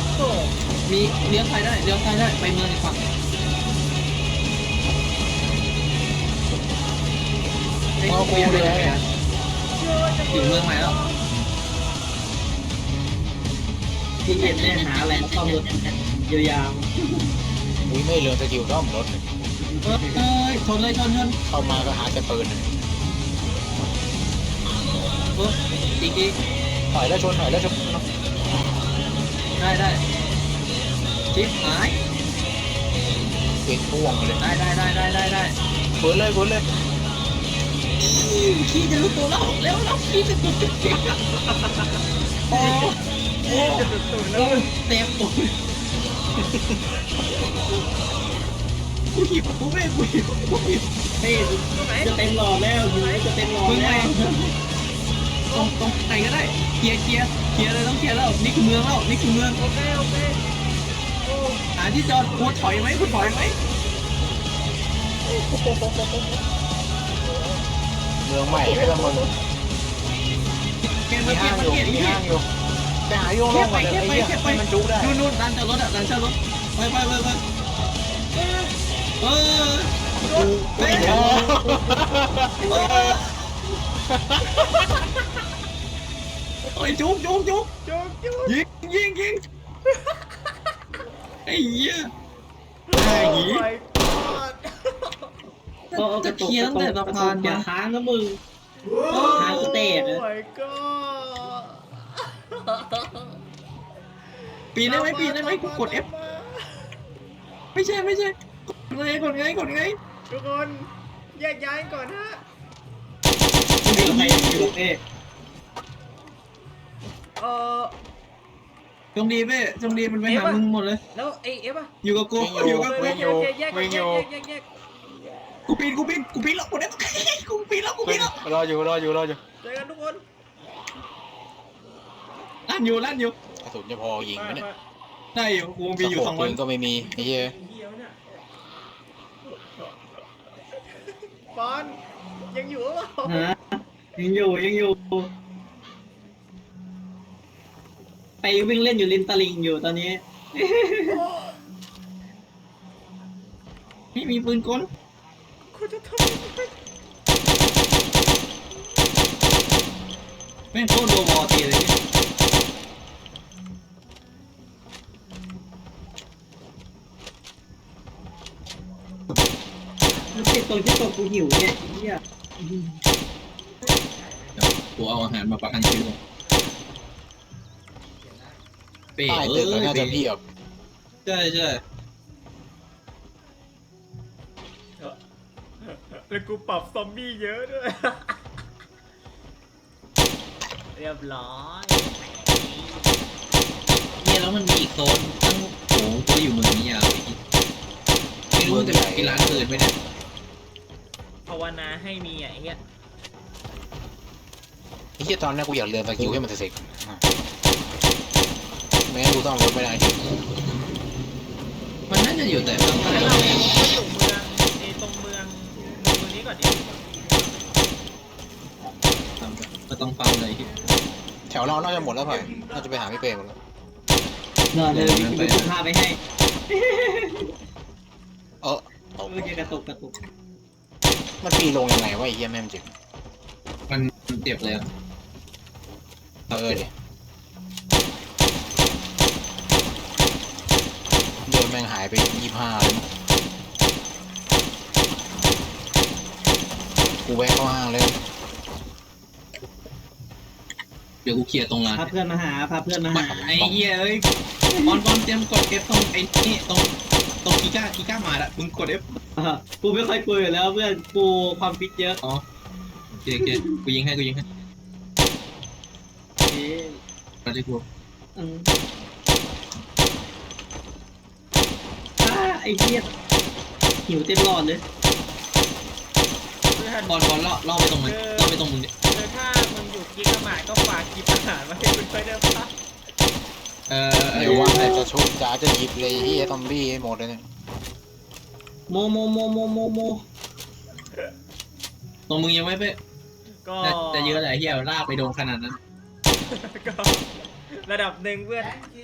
มีเลี้ยวซ้ายได้เลี้ยวซ้ายได้ไปเมืองอีกฝั่งเอากูเลยถึงเมืองใหม่แล้วที่เย็นเนี่ยหาอะไรมาซ่อมรถยาวอุ้ยไม่เรืองสกิลซ่อมรถเอ้ยชนเลยชนเข้ามาก็หาแต่ปืนอีกถอยแล้วชนถอยแล้วชนได้ชิปหายปิดพ่วงเลยได้ฝืนเลยขี้จะรู้ตัวแล้วเร็วขี้จะตัวเก่งโอ้เต็มตัวกูหิวกูไม่กูหิวๆเฮ้ยจะเต็มหลอดแล้วอยู่จะเต็มหลอดมึงแล้แม่วตรงไหนก็ได้เคลียร์เลยต้องเคลียร์แล้วนี่คือเมืองแล้วนี่คือเมืองโอเคหาที่จอดกูถอยไหมเมืองใหม่ไม่ละมึง มีห้างอยู่แต่หาโยงลงก่อนเลยไอ้เหี้ยให้มันจุกได้นู่นร้านจอดรถร้านจอดรถไปโอ้ยจุกยิงไอ้เหี้ยก็จะเคลียร์ตั้งแต่สะพานอย่ามาค้างนะมึงค้างสเตจนะปีนได้ไหมกูกด F ไม่ใช่กดไงทุกคนแยกย้ายก่อนฮะอยู่กับใครอยู่กับเอ๊ะจงดีมันไปหามึงหมดเลยแล้วไอเอฟอะอยู่กับกูวิ่งแยกกูปีนแล้วกูได้กูปีนแล้วรออยู่เจอกันทุกคนลั่นอยู่กระสุนจะพอยิงไหมเนี่ยได้อยู่กูมีอยู่ปืนก็ไม่มีไอ้เหี้ยปอนยังอยู่หรือเปล่าฮะยังอยู่ไปวิ่งเล่นอยู่ริมตลิ่งอยู่ตอนนี้ไม่มีปืนกลคุณจะทำยังไงแม่งโคตรโดวอตีเลยเนี่ยมันติดตรงที่ตัวกูหิวเนี่ยเฮียกูเอาอาหารมาประกันชีวิตเป๋ใต้ตึกน่าจะเพียบใช่แล้วกูปรับซอมบี้เยอะด้วยเรียบร้อยเนี่ยแล้วมันมีอีกโซนตั้งโอ้กูอยู่เมืองนี้ยาวไม่รู้จะกินร้านอื่นไหมเนี่ยภาวนาให้มีไอ้เหี้ยไอ้เหี้ยตอนนี้กูอยากเรืองสกิลให้มันเสร็จไม่งั้นกูต้องรถไม่ได้จริงมันน่าจะอยู่แต่ตรงแล้วเราไปสู่เมืองไอ้ตรงเมืองนี้ก่อนดิก็ต้องฟังเลยที่แถวเราน่าจะหมดแล้วเปล่าน่าจะไปหาพี่เป้หมดแล้วนอนเลยมีคุณภาพไปให้เออเมื่อกี้กระตุกมันปีลงยังไงวะไอ้เหี้ยแม่งจริงมันเจ็บเลยดิเดินแม่งหายไป25เลยกูแวะเข้าห้างเลยเดี๋ยวกูเคลียร์ตรงร้านพาเพื่อนมาหาไอ้เหี้ยเอ้ยบอลเตรียมกด F ตรงไอ้นี่ตรงกีก้ามาละมึงกด F กูไม่ค่อยคุยอยู่แล้วเพื่อนกูความฟิตเยอะอ๋อโอเคกูยิงให้เอ๊ะมาที่กูไอ้เหี้ยหิวเต็มหลอดเลยเพื่อนบอลล่อไปตรงมึงดิถ้ามึงอยู่กินกระหม่ก็ฝากกินอาหารมาให้คุณไปได้ปะเดี๋ยวว่าแต่จะชุบจ๋าจะหยิบเลยที่ซอมบี้ให้หมดเลยเนี่ยโมตรงมึงยังไม่ไปก็แต่เยอะแหละเหี้ยลากไปโดนขนาดนั้นก็ระดับหนึ่งเพื่อน